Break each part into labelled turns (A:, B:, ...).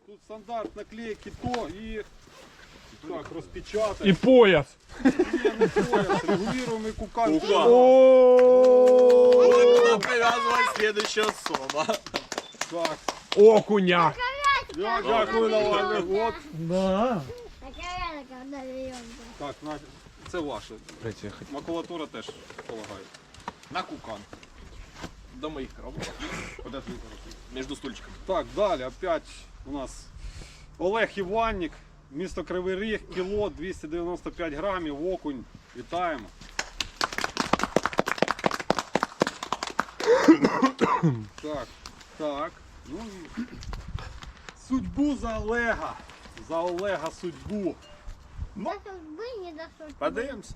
A: Тут стандарт наклейки то и так, распечатать.
B: И пояс.
A: Не пояс, регулируемый кукан.
C: Куда привязывать следующая особа?
A: Так,
B: Окуня.
A: я дякую на вас. Вот.
D: Да.
A: Так, це ваше. Макулатура теж полагаю.
C: На кукан. До моих коробок. Между стульчиками.
A: Так, далі опять у нас Олег Іванник, місто Кривий Ріг, кіло 295 грамів, окунь. Вітаємо. Так, так. Ну і судьбу за Олега. За Олега судьбу.
C: Подаемся.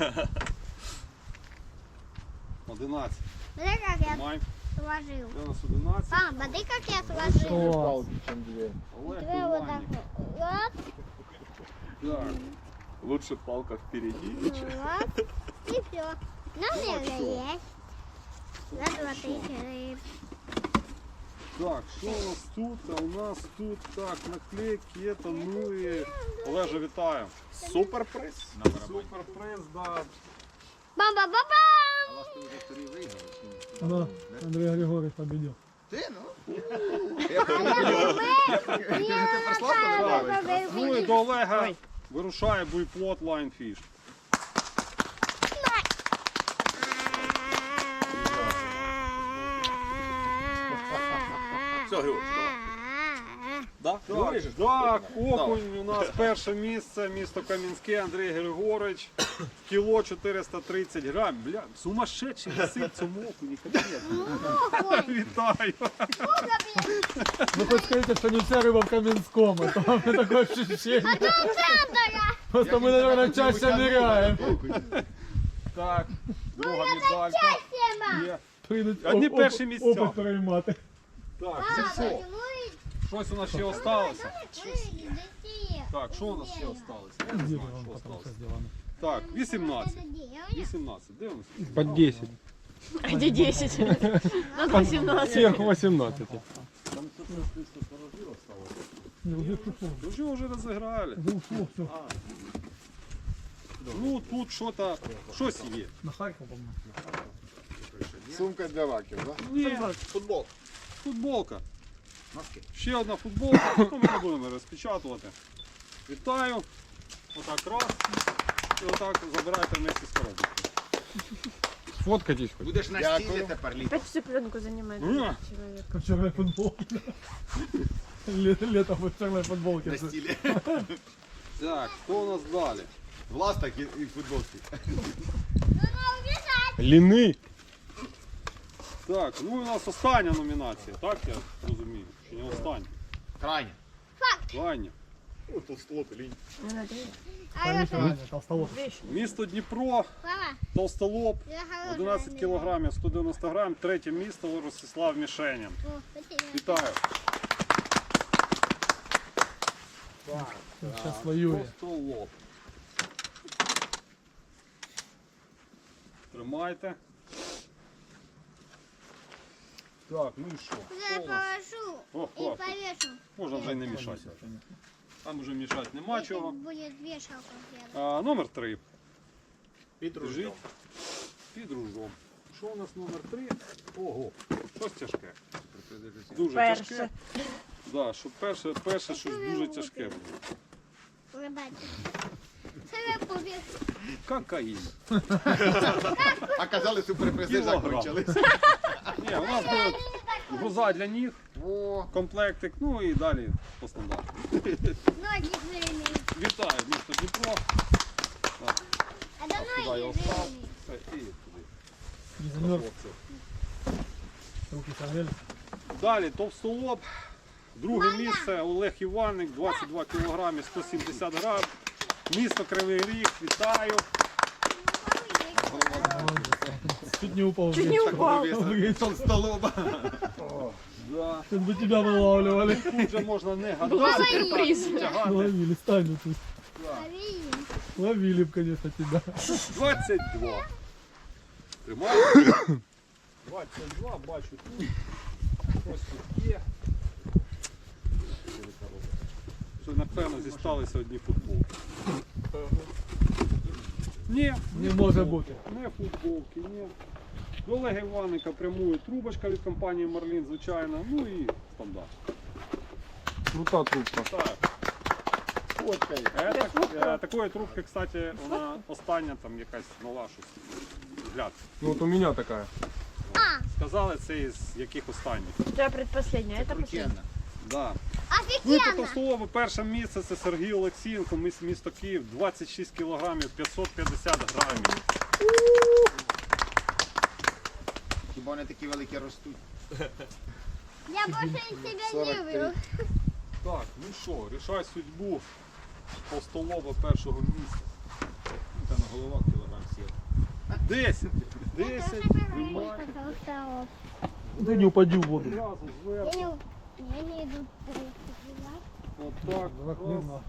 A: 11.
E: Смотри, как я
A: Май.
E: сложил.
A: Це у нас 11.
E: Мам, смотри, как я сложил.
D: Класс.
A: Олег
E: Тебе вот так
A: Іванник.
E: вот.
A: Так.
C: Лучше палка впереди.
E: Вот. И все. Нам уже есть. Раз, два, три, четыре.
A: Так, що у нас тут? А у нас тут так, наклейки, это, ну і Олежа, вітаю.
C: Суперприз.
A: Суперприз, да.
E: Бам-бам-бам-бам!
D: Да. Андрей Григорьевич победил.
A: Ну і до Олега вирушає буйплот Lionfish.
C: Все, Григорий, да?
A: Так, так, окунь у нас перше місце, місто Кам'янське, Андрій Григорович. Кіло 430 грам. Бля, сумасшедший висить цьому окуні, капець. Вітаю.
D: Ну хоть скажите, что не вся рыба в Каменском, а то у меня такое ощущение. Просто мы, наверное, чаще ныряем.
A: Так, друга медалька. Є.
D: Прийдуть
A: Одні перші місця.
D: опит переймати.
A: Так, це все. Щось у нас ще осталося. Так, що у нас ще осталося? Я не знаю, що осталося. Так, 18. 18. Дивимося.
B: Под 10.
F: А где 10? Надо 18.
B: Сверху 18.
D: Не, уже пришло.
A: Уже вже розіграли.
D: Уже ушло все.
A: Ну, тут щось є.
D: На Харьков, по-моему.
G: Сумка для раків, да?
A: Ні,
C: Футбол.
A: футболка. Ще одна футболка. Ну, ми не будемо розпечатувати. Вітаю. Отак раз. І отак забирайте вместе з коробкою.
B: Сфоткайтесь хоть.
G: Будеш на стілі тепер літ.
F: Опять всю пленку занимает
A: Ну.
F: человек.
D: Как в черной футболке. Лето в черной футболке.
G: На стілі.
A: Так, що у нас далі?
G: Власток і футболки.
B: Лины.
A: Так, ну і у нас остання номінація, так я розумію? Чи не остання?
G: Крайня.
A: Крайня.
C: Толстолоб и линь.
F: Не надо.
D: Толстолоб.
A: Місто Дніпро,
E: Папа,
A: Толстолоб,
E: я хорошая
A: 11 кілограмів, 190 грам, третє місто Ростислав Мішенін.
E: О, спасибо.
A: Вітаю. Так,
D: Сейчас воює.
A: Толстолоб. Тримайте. Так, ну і що?
E: Я
A: Що у нас?
E: положу
A: О,
E: и
A: класно.
E: повешу.
A: Можна вже й не мішати. Там вже мішати нема
E: Это
A: чого.
E: будет вешалка.
A: Номер 3.
C: Під
A: Лежить під ружом. Що у нас номер 3? Ого, щось тяжке. Дуже
F: Перше.
A: тяжке. Да, що перше щось дуже тяжке було.
E: Ребята, це я повешу.
A: Кокаїн.
G: А казали, суперпризи
A: Кілограм.
G: закончились.
A: Ні, у нас буде груза для ніг,
G: О,
A: комплектик, ну і далі по стандарту.
E: Ноги жирные.
A: Вітаю, місто Дніпро.
E: Это
A: Туди я
E: ноги
A: остав.
E: жирные.
A: Все, і туди.
D: Не замерз. Руки согрели.
A: Далі Товстолоб. Друге місце Олег Іванник, 22 кг, 170 грам. Місто Кривий Ріг, вітаю.
D: Чуть не упал.
F: Чуть не упал.
G: толстолоба.
A: Да.
D: Сейчас бы тебя вылавливали.
A: Тут вже можна не
F: Был
A: гадати,
F: сюрприз.
A: тягати.
D: Ловили, стань тут.
E: Лови.
D: Ловили бы, конечно, тебя.
A: 22. Тримаю. 22, бачу тут. Ось тут є. напевно, зісталися одні футболки. Ні,
D: Не може бути.
A: не футболки, ні. До Олега Іванника прямує трубочка від компанії Марлін, звичайно, ну і стандарт.
B: Крута трубка.
A: Так.
G: Фоткай.
A: Такої трубки, кстати, вона остання там якась нова щось. Взгляд.
B: Ну вот у меня такая.
A: Сказали, це із яких останніх.
F: У тебя предпоследняя, это последняя.
G: Крутенна.
A: Да. Ну і по
E: Офігенно!
A: Товстолобу перше місце це Сергій Олексієнко, місто Київ, 26 кілограмів, 550 грамів.
G: Хіба вони такі великі ростуть?
E: Я больше себя не
G: 43.
E: люблю.
A: Так, ну що, рішай судьбу Товстолоба першого місця.
G: Та на головах кілограм сіл.
A: 10. 10. Тримай.
D: Ти не упади в воду.
A: Одразу зверху.
E: Я не иду.
A: Отак. Раз.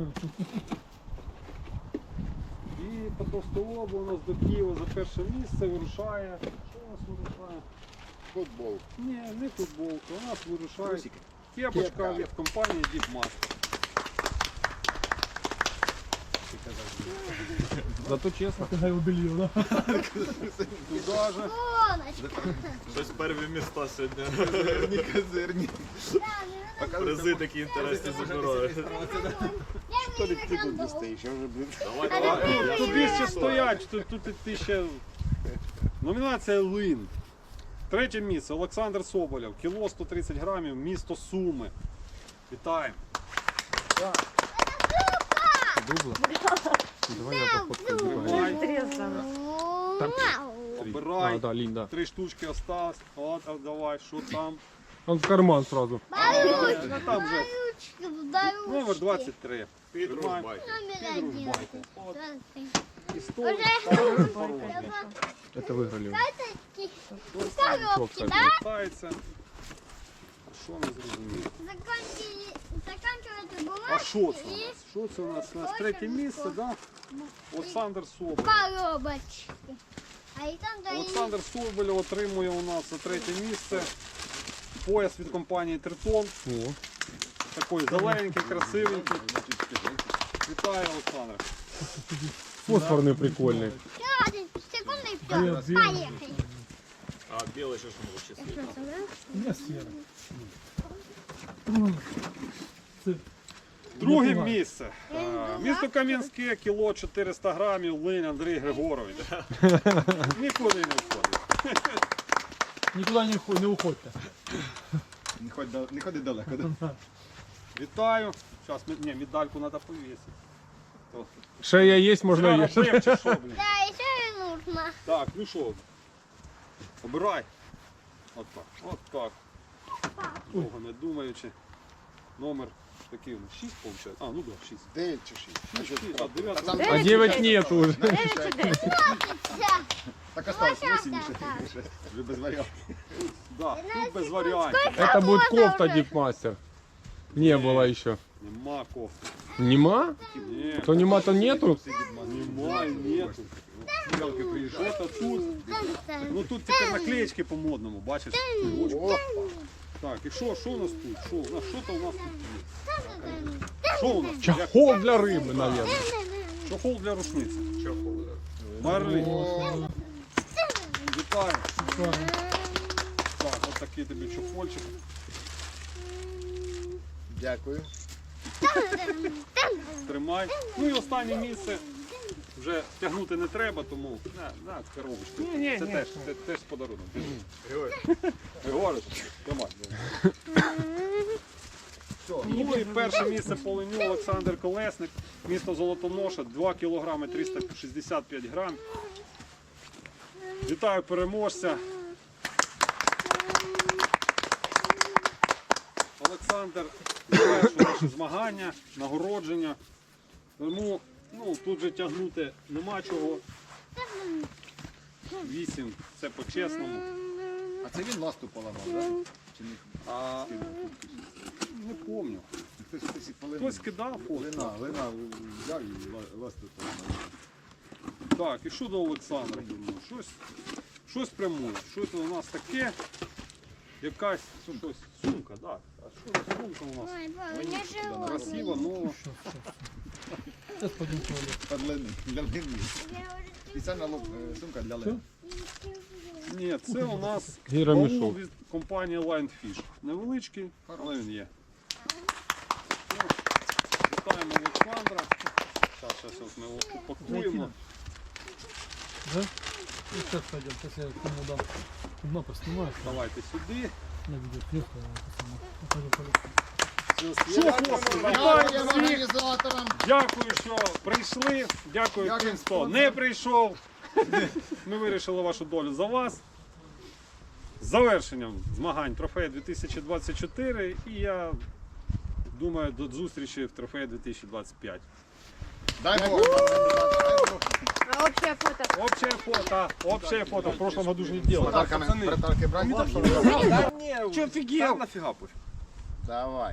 A: І по Товстолобу у нас до Києва за перше місце вирушає. Що у нас вирушає?
G: Футбол.
A: Ні, не футболка. У нас вирушає
G: Трусики.
A: кепочка
G: Кепка.
A: від компанії Діпмастер.
B: Зато честно.
D: Ти його белье, да?
A: Туда же.
E: Сонечко.
C: Щось перві міста сьогодні.
G: Козирні, козирні.
C: Призи такі інтересні забирають.
E: Я не играю.
G: Я вже, блин.
A: Тут ще стоять, тут ти ще. Номінація Лин. Третє місце Олександр Соболєв, кіло 130 грамів, місто Суми. Вітаємо.
B: Дубла. Давай я пофоткаю.
A: Тримай,
F: Интересно.
A: обирай.
B: Да, Линь, да.
A: 3 штучки осталось. От, а давай, що там?
B: Он в карман сразу.
A: Ну там же
E: Ручки,
A: номер 23.
C: Підружбай.
E: Номер один.
A: От.
E: Здравствуй.
A: І 100.
B: Это выиграли.
E: Коробки, да?
A: Вертається. Що не зрозуміло?
E: Заканчивается
A: А
E: бумага
A: що це у нас? Що це у нас? У нас третє місце, да? Олександр Соболєв.
E: коробочки. А и там да
A: Олександр Соболєв отримує у нас за третє місце пояс від компанії Тритон.
B: О,
A: Такий зелененький, красивенький. Вітаю, Олександр.
B: фосфорный прикольный.
E: секунду и
D: Привет,
E: все.
D: Дима.
E: Поехали.
C: А білий що ж може числити?
D: Не сіре.
A: Друге місце. Місто Кам'янське, кіло 400 грамів, Линь Андрій Григорович. Нікуди не входить.
D: Нікуди не уходьте.
G: Не ходи далеко. Да?
A: Вітаю. Зараз медальку треба повісити.
B: Шея есть, можно
A: Треба
B: ешь.
A: пив чи що, блін?
E: Да, еще и нужно.
A: Так, ну що, обирай. От так, от так. Довго не думаючи. Номер такий, 6 виходить? А, ну да, 6.
G: 9 чи 6.
A: 6, а 9.
G: А там
B: А 9 нет уже.
F: 9 чи 10?
E: Да.
G: так осталось 8
E: так,
G: ще.
E: так.
G: Вже без варіантів.
A: Да, тут без варіантів.
B: Это будет
E: года
B: кофта
E: уже?
B: Дипмастер. Не было еще.
A: Нема кофти.
B: Нема?
A: Ні,
B: То нема, то нету?
A: нема, нету.
G: Ялки приїжджають.
A: Що-то тут. Ну тут тепер наклеечки по-модному, бачиш?
G: Опа.
A: Так, і що у нас тут? Що-то у нас тут є. Що у нас?
B: Чахол для рыбы, наверное.
A: Чохол для рушниці. Марлі. Вітаю. Так, от такий тобі чохольчик.
G: Дякую.
A: Тримай. Ну і останнє місце. Вже тягнути не треба, тому на коробочку. Це теж подарунок. Григорич, тримай. Ну і перше місце по леню Олександр Колесник, місто Золотоноша, 2 кг 365 грам. Вітаю переможця. Олександр завершив наше змагання, нагородження. Тому тут же тягнути нема чого. 8, це по-чесному.
G: А це він ласту поламав, так? Да? Чи ні?
A: А, не пам'ятаю.
G: Хтось і поламав.
A: Хтось кидав фото.
G: Лина взяв і ласту поламав.
A: Так, і що до Олександра? Щось прямує. Щось у нас таке. якась щось. Сумка, так. А що за сумка у нас?
E: Ой, Боже, не живот.
A: Красива, нова.
D: Зараз пойдемо в туалет.
G: Для лини.
E: Я уже
G: Спеціальна сумка для лини.
A: Ні, це у нас
B: Гіромішок.
A: баул від компанії Lionfish. Невеличкий, але він є. Ну, вітаємо Олександра. Зараз ми його упакуємо.
D: Да? І зараз пойдемо, зараз я кому дам. Кому поснімаю.
A: Давайте сюди.
D: На відео кліпку, пойдем полетим.
A: Що, хлопці, вітаю
G: Дякуємо
A: всіх.
G: організаторам.
A: Дякую, що прийшли. Дякую тим, хто не прийшов. Ми вирішили вашу долю за вас. З завершенням змагань трофея 2024. І я думаю, до зустрічі в трофеї 2025.
G: Дай Бог.
F: А общее фото?
A: Общее фото. В прошлом году же не делали.
G: Подарки брати.
C: Че офигел? Нафига пофиг.
G: Давай.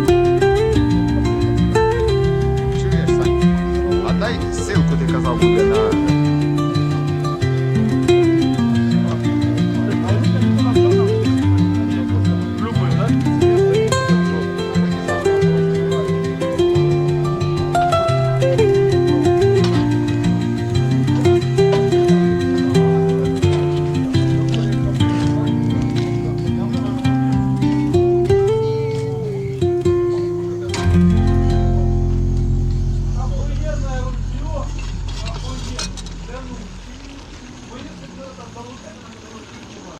G: Чуєш, Сань? А дай ссылку, ти казав, буде на